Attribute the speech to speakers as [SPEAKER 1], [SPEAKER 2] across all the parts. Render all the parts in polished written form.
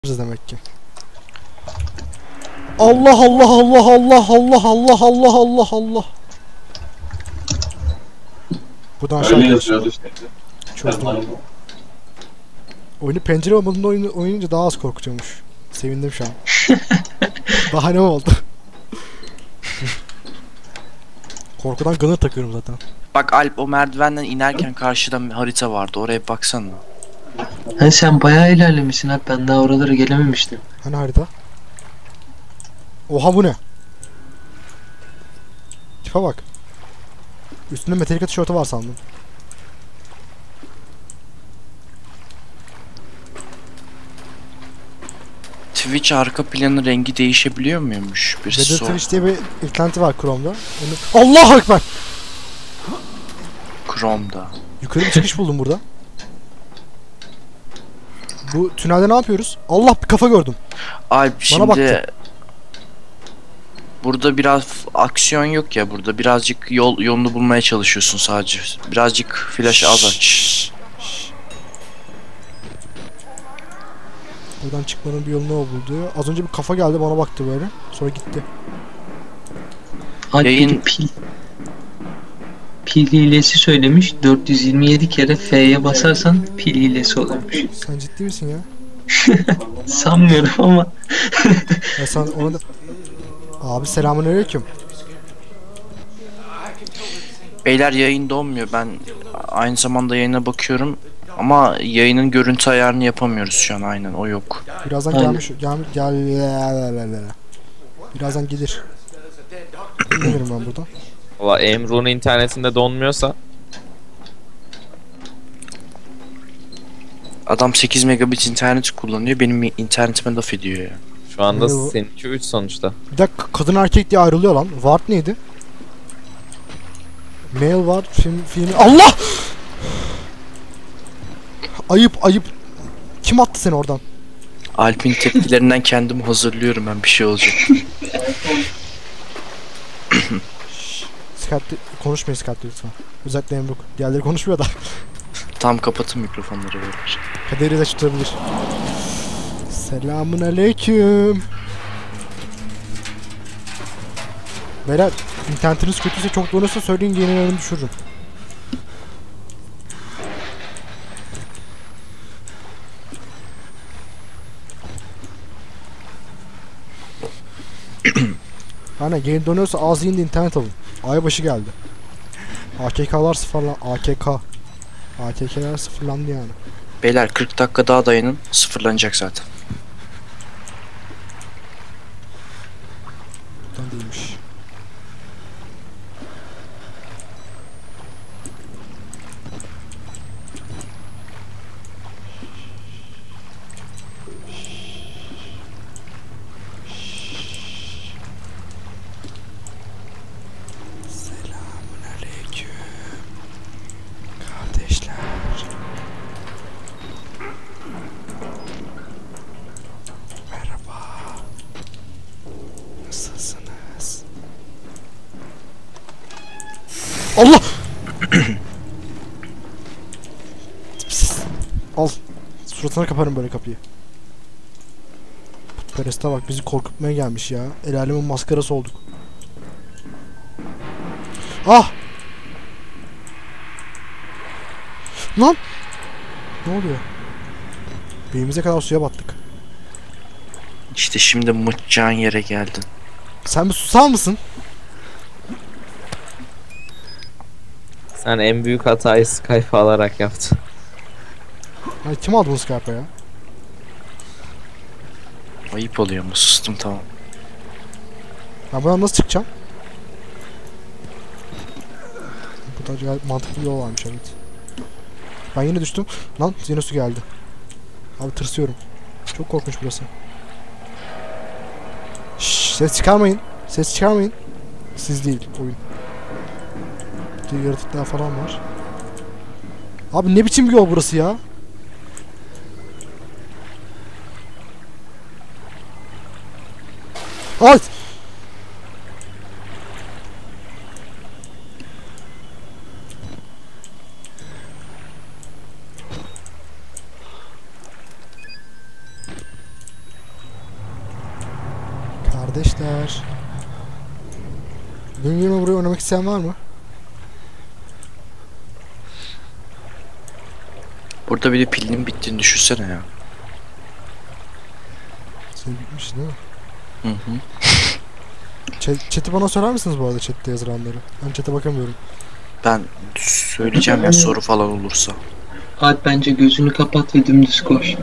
[SPEAKER 1] demek ki. Allah Allah Allah Allah Allah Allah Allah Allah Allah. Buradan aşağı gidiyoruz. Çözdüm. Oyunu pencere olmadığında oynayınca daha az korkutuyormuş. Sevindim şu an. Bahane oldu. Korkudan gunner takıyorum zaten.
[SPEAKER 2] Bak Alp, o merdivenden inerken karşıda bir harita vardı, oraya baksana.
[SPEAKER 3] Hani sen bayağı ilerlemişsin abi, ben daha oralara gelememiştim.
[SPEAKER 1] Hani harita? Oha, bu ne? Tipe bak. Üstünde Metallica tişörtü var sandım.
[SPEAKER 2] Twitch arka planı rengi değişebiliyor muymuş? Bir
[SPEAKER 1] Weather
[SPEAKER 2] sor.
[SPEAKER 1] Twitch diye bir eklenti var Chrome'da. Allahu Ekber!
[SPEAKER 2] Chrome'da.
[SPEAKER 1] Yukarı bir çıkış buldum burada. Bu tünelde ne yapıyoruz? Allah, bir kafa gördüm.
[SPEAKER 2] Alp şimdi...
[SPEAKER 1] baktı.
[SPEAKER 2] Burada biraz aksiyon yok ya, burada birazcık yolunu bulmaya çalışıyorsun sadece. Birazcık flash az aç.
[SPEAKER 1] Buradan çıkmanın bir yolunu buldu. Az önce bir kafa geldi, bana baktı böyle. Sonra gitti.
[SPEAKER 3] Alp
[SPEAKER 2] Yayın-
[SPEAKER 3] pil hilesi söylemiş. 427 kere F'ye basarsan pil hilesi oluyormuş.
[SPEAKER 1] Sen ciddi misin ya?
[SPEAKER 3] Sanmıyorum ama.
[SPEAKER 1] Ya sen ona da... Abi selamünaleyküm.
[SPEAKER 2] Beyler, yayın donmuyor, ben aynı zamanda yayına bakıyorum. Ama yayının görüntü ayarını yapamıyoruz şu an, aynen o yok.
[SPEAKER 1] Birazdan
[SPEAKER 3] Aynen.
[SPEAKER 1] gel. Birazdan gelir. Gelirim ben buradan.
[SPEAKER 4] Valla Emru'nun internetinde donmuyorsa
[SPEAKER 2] Adam 8 megabit internet kullanıyor, benim internetime laf ediyor ya.
[SPEAKER 4] şu anda
[SPEAKER 1] Ne bu?
[SPEAKER 4] seninki 3 sonuçta.
[SPEAKER 1] Bir dakika, kadın erkek diye ayrılıyor lan. Ward neydi? Male var, film... Allah! Ayıp. Kim attı seni oradan?
[SPEAKER 2] Alp'in tepkilerinden kendimi hazırlıyorum, ben bir şey olacak.
[SPEAKER 1] Skype'de konuşmayın, Skype'de lütfen. Özellikle Emruk. Diğerleri konuşmuyor da.
[SPEAKER 2] Tam kapatın mikrofonları beyler.
[SPEAKER 1] Kaderi de tutabilir. Selamun aleyküm. Beyler, internetiniz kötüyse, çok donuyorsa söyleyin, yenilerini düşürürüm. Hani geri dönüyorsa ağzı indi, internet alın. Aybaşı geldi. AKK'lar sıfırlan... AKK'ler sıfırlandı yani.
[SPEAKER 2] Beyler 40 dakika daha dayanın, sıfırlanacak zaten.
[SPEAKER 1] Buradan değilmiş. Selamünaleyküm kardeşler. Merhaba. Nasılsınız? Allah! Tipsiz. Al. Suratına kaparım böyle kapıyı. Putperest'e bak, bizi korkutmaya gelmiş ya. El alemin maskarası olduk. Ah! Lan! Ne oluyor? Beynimize kadar suya battık.
[SPEAKER 2] İşte şimdi mıçacağın yere geldin.
[SPEAKER 1] Sen bir susar mısın?
[SPEAKER 4] Sen en büyük hatayı Skype alarak yaptın.
[SPEAKER 1] Hani kim aldı bunu Skype'a ya?
[SPEAKER 2] Ayıp oluyor mu? Sustum, tamam.
[SPEAKER 1] Ben buradan nasıl çıkacağım? Bu da gayet mantıklı bir yol varmış, evet. Ben yine düştüm. Lan yine su geldi. Abi tırsıyorum. Çok korkunç burası. Şşş, ses çıkarmayın. Ses çıkarmayın. Siz değil, oyun. Burada yaratıklar falan var. Abi ne biçim bir yol burası ya? Ay! Kardeşler. Benim yerime buraya oynamak isteyen var mı?
[SPEAKER 2] Burada bir de pilinin bittiğini düşünsene ya.
[SPEAKER 1] Senin bitmiş değil mi?
[SPEAKER 2] Hı hı.
[SPEAKER 1] Chat'i bana söyler misiniz bu arada, chat'te yazılanları? Ben chat'e bakamıyorum.
[SPEAKER 2] Ben söyleyeceğim ya soru falan olursa.
[SPEAKER 3] Alp bence gözünü kapat ve dümdüz koş.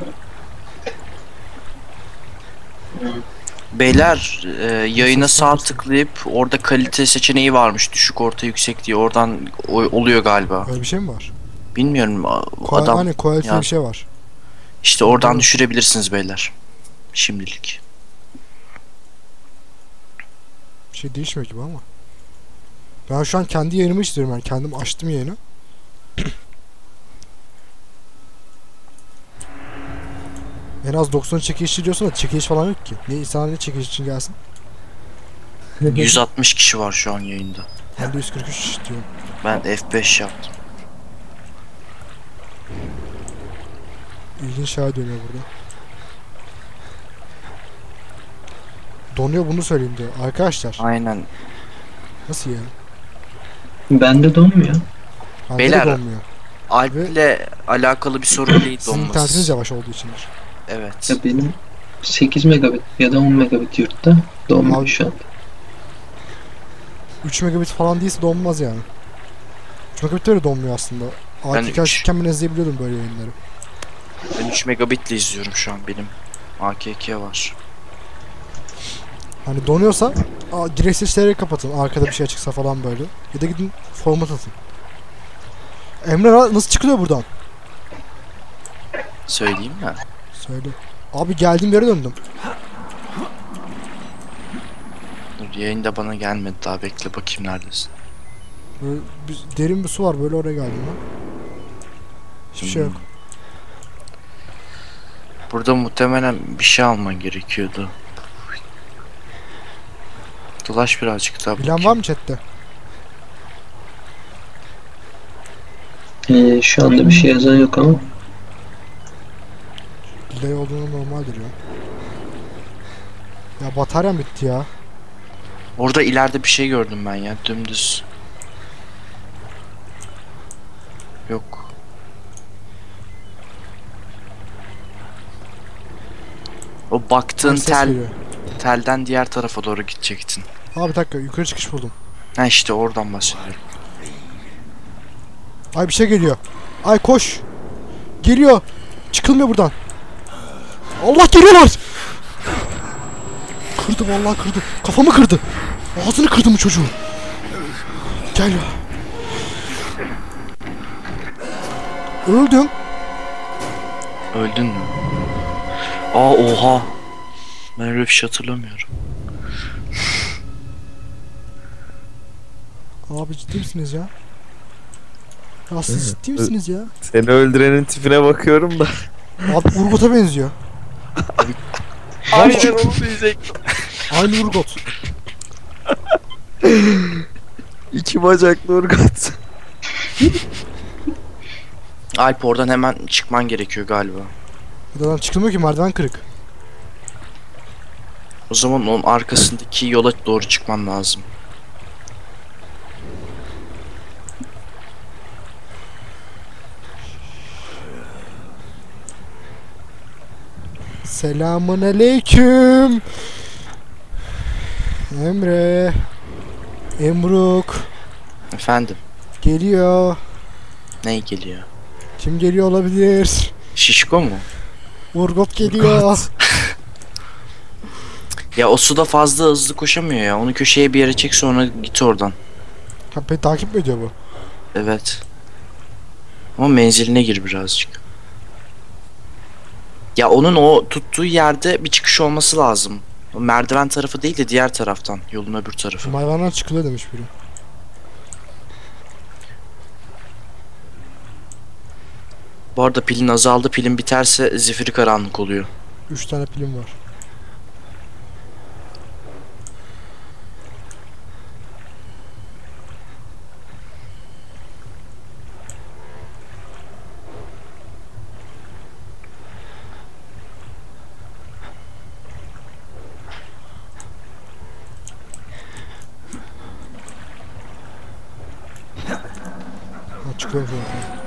[SPEAKER 2] Beyler yayına sağ tıklayıp orada kalite seçeneği varmış. Düşük, orta, yüksek diye. Oradan oluyor galiba.
[SPEAKER 1] Öyle bir şey mi var?
[SPEAKER 2] Bilmiyorum adam.
[SPEAKER 1] Hani quality
[SPEAKER 2] ya-
[SPEAKER 1] bir şey var.
[SPEAKER 2] İşte oradan düşürebilirsiniz beyler. Şimdilik.
[SPEAKER 1] Bir şey değişmiyor gibi ama. Ben şu an kendi yayınımı istiyorum, yani kendim açtım yayını. En az 90 çekilişçi diyorsun da çekiliş falan yok ki. Ne insanlar ne çekiliş için gelsin?
[SPEAKER 2] 160 kişi var şu an yayında.
[SPEAKER 1] Ben de 143 diyorum.
[SPEAKER 2] Ben F5 yaptım.
[SPEAKER 1] İlginç şeyler dönüyor burada. Donuyor, bunu söyleyeyim diyor. Arkadaşlar
[SPEAKER 2] Aynen.
[SPEAKER 1] nasıl yani?
[SPEAKER 3] Bende donmuyor.
[SPEAKER 1] Bende
[SPEAKER 2] Beyler,
[SPEAKER 1] de donmuyor.
[SPEAKER 2] Alp'le alakalı bir sorun değil
[SPEAKER 1] Sizin internetiniz
[SPEAKER 2] donması.
[SPEAKER 1] yavaş olduğu içindir.
[SPEAKER 2] Evet.
[SPEAKER 3] Ya benim 8 megabit ya da 10 megabit yurtta donmuyor
[SPEAKER 1] Abi-
[SPEAKER 3] şu an.
[SPEAKER 1] 3 megabit falan değilse donmaz yani. 3 megabit de öyle donmuyor aslında.
[SPEAKER 2] Ben
[SPEAKER 1] AKK
[SPEAKER 2] üç.
[SPEAKER 1] açıkken ben izleyebiliyordum böyle yayınları.
[SPEAKER 2] Ben 3 megabitle izliyorum şu an benim. AKK var.
[SPEAKER 1] Hani donuyorsa direkt seçkileri kapatın. Arkada bir şey açıksa falan böyle. Ya da gidin format atın. Emre nasıl çıkılıyor buradan?
[SPEAKER 2] Söyleyeyim mi?
[SPEAKER 1] Söyle. Abi geldiğim yere döndüm.
[SPEAKER 2] Dur, yayında bana gelmedi daha, bekle bakayım neredesin.
[SPEAKER 1] Böyle derin bir su var, böyle oraya geldim ben. Hiçbir şey yok.
[SPEAKER 2] Burada muhtemelen bir şey alman gerekiyordu. Dolaş birazcık daha
[SPEAKER 1] Bilen var
[SPEAKER 2] bakayım.
[SPEAKER 1] mı chatte?
[SPEAKER 3] Şu anda bir şey yazan yok ama.
[SPEAKER 1] Delay olduğunu normaldir ya. Ya bataryam bitti ya.
[SPEAKER 2] Orada ileride bir şey gördüm ben ya, dümdüz. Yok. O baktığın
[SPEAKER 1] Ses geliyor.
[SPEAKER 2] telden diğer tarafa doğru gidecektin.
[SPEAKER 1] Abi bir dakika, yukarı çıkış buldum.
[SPEAKER 2] Ha işte oradan bahsediyorum.
[SPEAKER 1] Ay bir şey geliyor. Ay koş. Geliyor. Çıkılmıyor buradan. Allah, geliyorlar. Kırdı vallahi, kırdı. Kafamı kırdı. Ağzını kırdı mı çocuğu? Gel ya. Öldüm.
[SPEAKER 2] Öldün mü? Aa oha. Ben öyle bir şey hatırlamıyorum.
[SPEAKER 1] Abi ciddi misiniz ya? Ya siz ciddi misiniz ya?
[SPEAKER 4] Seni öldürenin tipine bakıyorum da.
[SPEAKER 1] Abi Urgot'a benziyor.
[SPEAKER 4] Aynen onu diyecektim.
[SPEAKER 1] Aynı Urgot.
[SPEAKER 4] İki bacaklı Urgat.
[SPEAKER 2] Alp, oradan hemen çıkman gerekiyor galiba.
[SPEAKER 1] Buradan çıkılmıyor ki, merdiven kırık.
[SPEAKER 2] O zaman onun arkasındaki yola doğru çıkman lazım.
[SPEAKER 1] Selamun aleyküm. Emre. Emruk.
[SPEAKER 2] Efendim,
[SPEAKER 1] Geliyor.
[SPEAKER 2] ne geliyor?
[SPEAKER 1] Kim geliyor olabilir?
[SPEAKER 2] Şişko mu?
[SPEAKER 1] Urgot geliyor.
[SPEAKER 2] Ya o suda fazla hızlı koşamıyor ya. Onu köşeye bir yere çek, sonra git oradan.
[SPEAKER 1] Ha, beni takip mi ediyor bu?
[SPEAKER 2] Evet. Ama menziline gir birazcık. Ya onun o tuttuğu yerde bir çıkış olması lazım. O merdiven tarafı değil de diğer taraftan. Yolun öbür tarafı.
[SPEAKER 1] Mayvanlar çıkılıyor demiş biri.
[SPEAKER 2] Bu arada pilin azaldı. Pilin biterse zifiri karanlık oluyor.
[SPEAKER 1] 3 tane pilim var. çıkıyorum şuradan.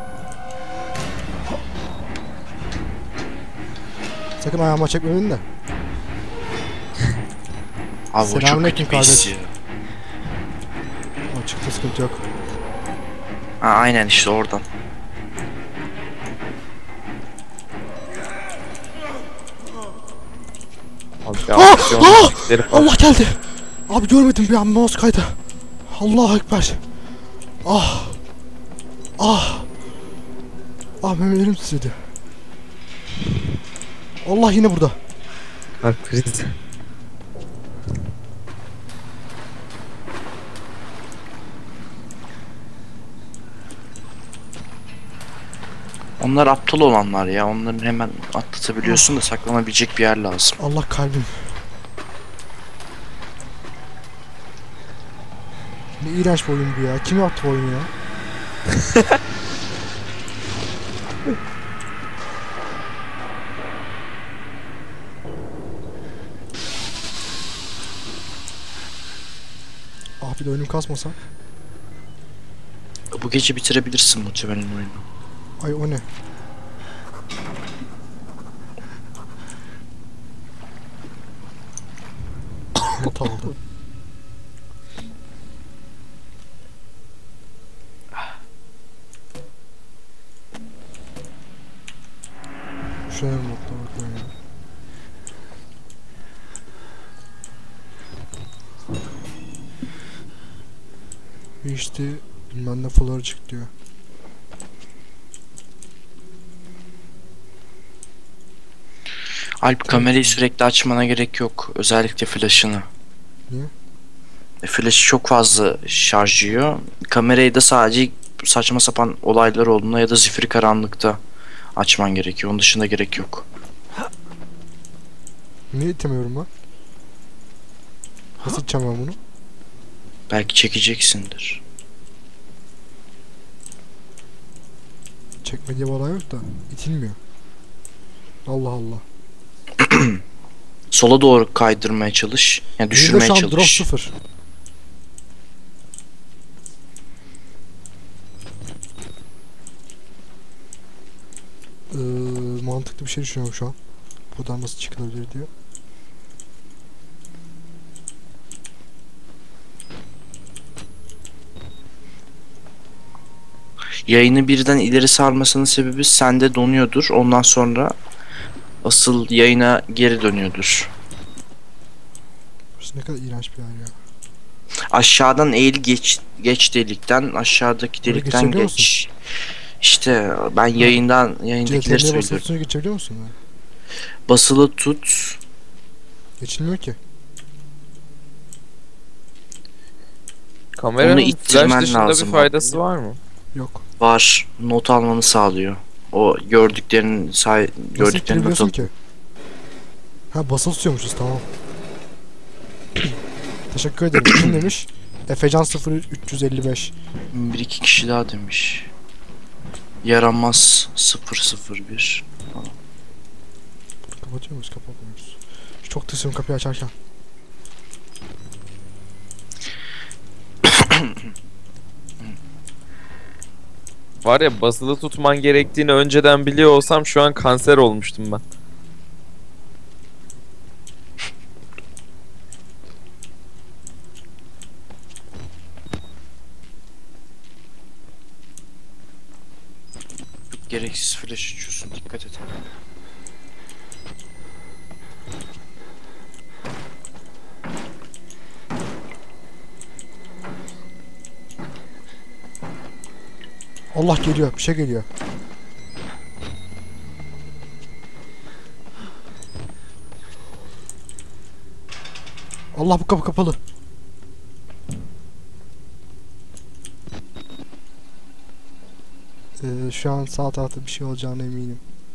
[SPEAKER 1] Sakın ayağıma çekmeyin de.
[SPEAKER 2] Abi o çok
[SPEAKER 1] Selamünaleyküm
[SPEAKER 2] kötü bir his
[SPEAKER 1] kardeş.
[SPEAKER 2] ya.
[SPEAKER 1] Aa, çıktı, sıkıntı yok.
[SPEAKER 2] Ha, aynen işte oradan.
[SPEAKER 4] Abi
[SPEAKER 1] Ah!
[SPEAKER 4] aksiyon
[SPEAKER 1] Ah!
[SPEAKER 4] müzikleri falan.
[SPEAKER 1] Allah geldi. Abi görmedim bir an, mouse kaydı. Allahu Ekber. Ah. Ah. Ah, memelerim titredi. Allah yine burada.
[SPEAKER 4] Kalp krizi.
[SPEAKER 2] Onlar aptal olanlar ya. Onların hemen atlatabiliyorsun da saklanabilecek bir yer lazım.
[SPEAKER 1] Allah kalbim. Ne iğrenç bir oyun bu ya. Kim yaptı bu oyunu ya? Ah, bir de oyunum kasmasa.
[SPEAKER 2] Bu gece bitirebilirsin muhtemelen oyunu.
[SPEAKER 1] Ay, o ne? Not aldı. Şöyle notla bakıyorum ya. İşte bilmem ne fuları çık diyor.
[SPEAKER 2] Alp, kamerayı sürekli açmana gerek yok. Özellikle flash'ını.
[SPEAKER 1] Niye?
[SPEAKER 2] Flash çok fazla şarj yiyor. Kamerayı da sadece saçma sapan olaylar olduğunda ya da zifiri karanlıkta açman gerekiyor. Onun dışında gerek yok.
[SPEAKER 1] Niye itemiyorum ben? Nasıl iteceğim ben bunu?
[SPEAKER 2] Belki çekeceksindir.
[SPEAKER 1] Çekme diye bir olay yok da itilmiyor. Allah Allah.
[SPEAKER 2] Sola doğru kaydırmaya çalış. Yani
[SPEAKER 1] Benim de
[SPEAKER 2] düşürmeye
[SPEAKER 1] şu an drop
[SPEAKER 2] çalış.
[SPEAKER 1] 0. Mantıklı bir şey düşünüyorum şu an. Buradan nasıl çıkılabilir diyor.
[SPEAKER 2] Yayını birden ileri sarmasının sebebi sende donuyordur. Ondan sonra asıl yayına geri dönüyordur.
[SPEAKER 1] Burası ne kadar iğrenç bir yer ya.
[SPEAKER 2] Aşağıdan eğil, geç delikten, aşağıdaki
[SPEAKER 1] Böyle
[SPEAKER 2] delikten
[SPEAKER 1] geçebiliyor
[SPEAKER 2] geç. İşte ben yayındakileri
[SPEAKER 1] CTRL'ye basılı
[SPEAKER 2] söylüyorum.
[SPEAKER 1] tutunca geçebiliyor musun? Ya?
[SPEAKER 2] Basılı tut.
[SPEAKER 1] Geçilmiyor ki.
[SPEAKER 4] Kameranın
[SPEAKER 2] Onu ittirmen
[SPEAKER 4] flash dışında
[SPEAKER 2] lazım
[SPEAKER 4] bir
[SPEAKER 2] bak.
[SPEAKER 4] faydası var mı?
[SPEAKER 1] Yok.
[SPEAKER 2] Var. Not almanı sağlıyor. O gördüklerin
[SPEAKER 1] Nasıl
[SPEAKER 2] gördüklerini not
[SPEAKER 1] ittirebiliyorsun
[SPEAKER 2] al.
[SPEAKER 1] ki? Ha, basılı tutuyormuşuz, tamam. Teşekkür ederim. Kim demiş? Efecan 0355.
[SPEAKER 2] Bir iki kişi daha demiş. Yaramaz 001.
[SPEAKER 1] Kapatıyor muyuz? Kapatmıyoruz. Çok tırsıyorum kapıyı açarken.
[SPEAKER 4] Var ya, basılı tutman gerektiğini önceden biliyor olsam şu an kanser olmuştum ben.
[SPEAKER 2] Gereksiz flash açıyorsun, dikkat et.
[SPEAKER 1] Allah geliyor. Bir şey geliyor. Allah, bu kapı kapalı. Şu an sağ tarafta bir şey olacağına eminim.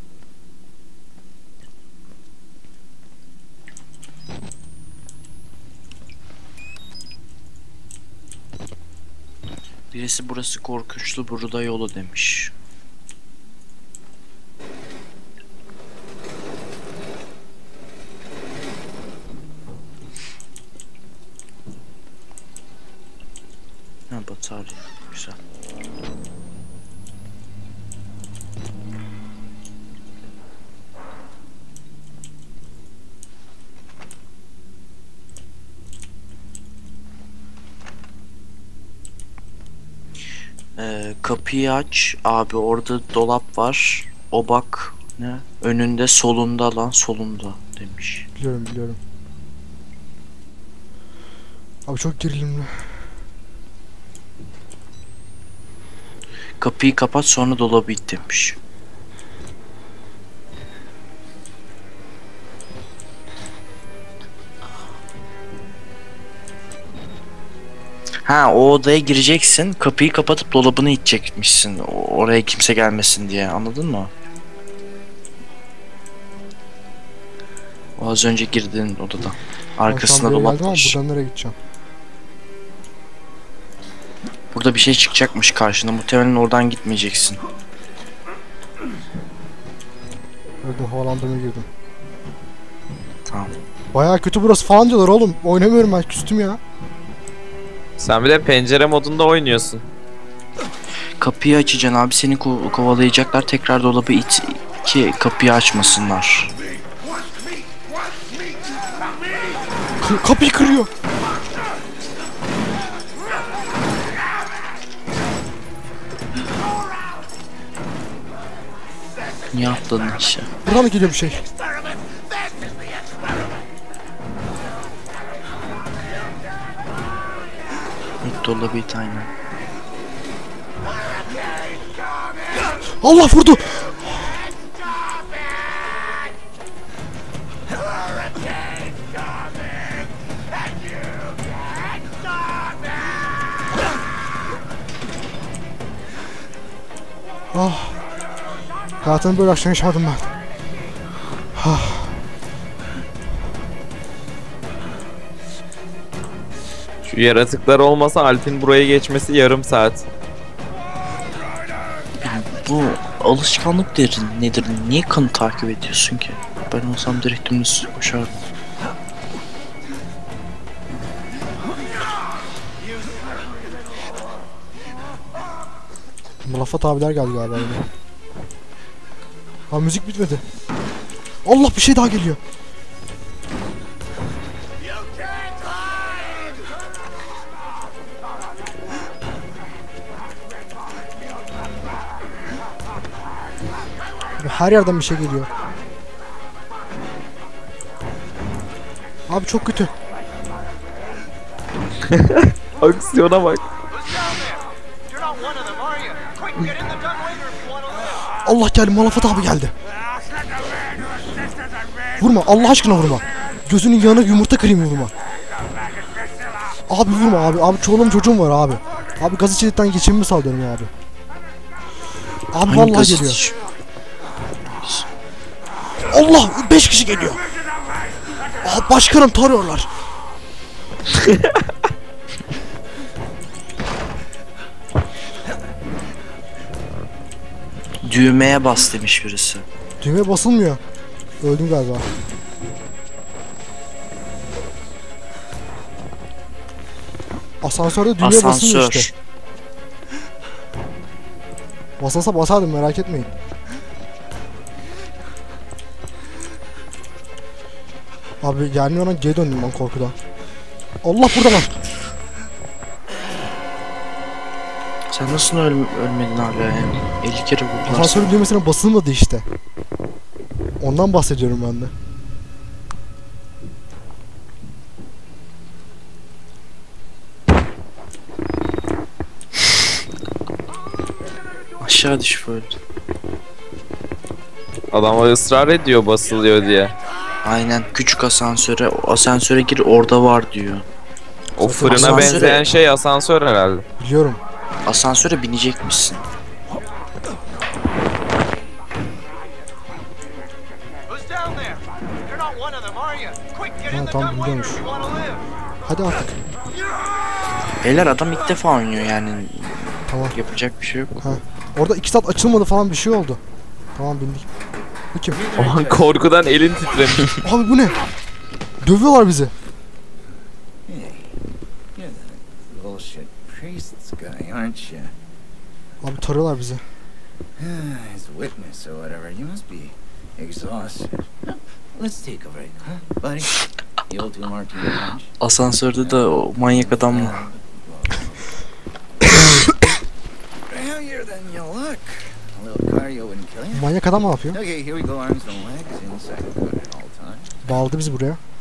[SPEAKER 2] Birisi burası korkunçlu, burada yolu demiş. Ha, batarya. Güzel. Kapıyı aç abi, orada dolap var. O bak ne? Önünde, solunda lan, solunda demiş.
[SPEAKER 1] Biliyorum biliyorum. Abi çok gerilimli.
[SPEAKER 2] Kapıyı kapat sonra dolabı it demiş. Ha, o odaya gireceksin, kapıyı kapatıp dolabını itecekmişsin. Oraya kimse gelmesin diye, anladın mı? O az önce girdiğin odada. Arkasında
[SPEAKER 1] Ben şu an buraya
[SPEAKER 2] dolap
[SPEAKER 1] geldim ama
[SPEAKER 2] var.
[SPEAKER 1] buradan nereye gideceğim?
[SPEAKER 2] Burada bir şey çıkacakmış karşına. Muhtemelen oradan gitmeyeceksin.
[SPEAKER 1] Gördüm, havalandırmaya girdim.
[SPEAKER 2] Tamam.
[SPEAKER 1] Bayağı kötü burası falan diyorlar oğlum. Oynamıyorum ben, küstüm ya.
[SPEAKER 4] Sen bir de pencere modunda oynuyorsun.
[SPEAKER 2] Kapıyı açacaksın abi, seni kovalayacaklar. Tekrar dolabı it ki kapıyı açmasınlar.
[SPEAKER 1] Kapıyı kırıyor.
[SPEAKER 2] Niye atladın işte?
[SPEAKER 1] Buradan mı geliyor bir şey?
[SPEAKER 2] İlk dolabı it, aynen.
[SPEAKER 1] Allah vurdu. Ah. Hayatımda böyle akşam yaşamadım ben.
[SPEAKER 4] Şu yaratıklar olmasa Alp'in buraya geçmesi yarım saat.
[SPEAKER 2] Bu alışkanlık nedir? Niye kanı takip ediyorsun ki? Ben olsam direkt dümdüz koşardım.
[SPEAKER 1] Mulafat abiler geldi galiba yine. Ha, müzik bitmedi. Allah, bir şey daha geliyor. Her yerden bir şey geliyor. Abi çok kötü.
[SPEAKER 4] Aksiyona bak.
[SPEAKER 1] Allah geldi, Mulafat abi geldi. Vurma, Allah aşkına vurma. Gözünün yanına yumurta kırayım, vurma. Abi vurma abi. Abi çoluğum çocuğum var abi. Abi gaz içerikten geçimimi sağlıyorum abi. Abi
[SPEAKER 2] Hangi
[SPEAKER 1] vallahi
[SPEAKER 2] gazete
[SPEAKER 1] geliyor.
[SPEAKER 2] şu-
[SPEAKER 1] Allah, 5 kişi geliyor. Aa, başkanım tarıyorlar.
[SPEAKER 2] Düğmeye bas demiş birisi.
[SPEAKER 1] Düğmeye basılmıyor. Öldüm galiba. Asansörde düğmeye basılmıyor
[SPEAKER 2] Asansör.
[SPEAKER 1] işte. Basılsa basardım, merak etmeyin. Abi gelmiyor lan, geri döndüm ben korkudan. Allah burada lan.
[SPEAKER 2] Sen nasıl ölmedin hala ya? 50 kere vurdular.
[SPEAKER 1] Asansörün düğmesine basılmadı işte. Ondan bahsediyorum ben de.
[SPEAKER 2] Aşağı düş böyle.
[SPEAKER 4] Adam ısrar ediyor basılıyor diye.
[SPEAKER 2] Aynen, küçük asansöre, o asansöre gir, orada var diyor.
[SPEAKER 4] O fırına
[SPEAKER 2] Asansöre-
[SPEAKER 4] benzeyen şey asansör herhalde.
[SPEAKER 1] Biliyorum.
[SPEAKER 2] Asansöre binecekmişsin.
[SPEAKER 1] Ha, tamam, biliyormuş. Hadi artık.
[SPEAKER 2] Beyler, adam ilk defa oynuyor yani.
[SPEAKER 1] Tamam.
[SPEAKER 2] Yapacak bir şey yok.
[SPEAKER 1] Ha. Orada 2 saat açılmadı falan, bir şey oldu. Tamam, bindik. Bu kim?
[SPEAKER 4] O an korkudan elin titremiş.
[SPEAKER 1] Abi bu ne? Dövüyorlar bizi.
[SPEAKER 5] You're the bullshit priests guy, aren't you?
[SPEAKER 1] Abi tarıyorlar bizi.
[SPEAKER 5] As witness or whatever, you must be exhausted. Let's take a break, huh, buddy? The old two martini punch.
[SPEAKER 2] Asansörde de o manyak adam mı?
[SPEAKER 5] And you look. A little cardio wouldn't kill you.
[SPEAKER 1] Manyak adam ne yapıyor?
[SPEAKER 5] Okay, here we go. Arms and legs inside the car at all times.
[SPEAKER 1] Bağladı bizi buraya.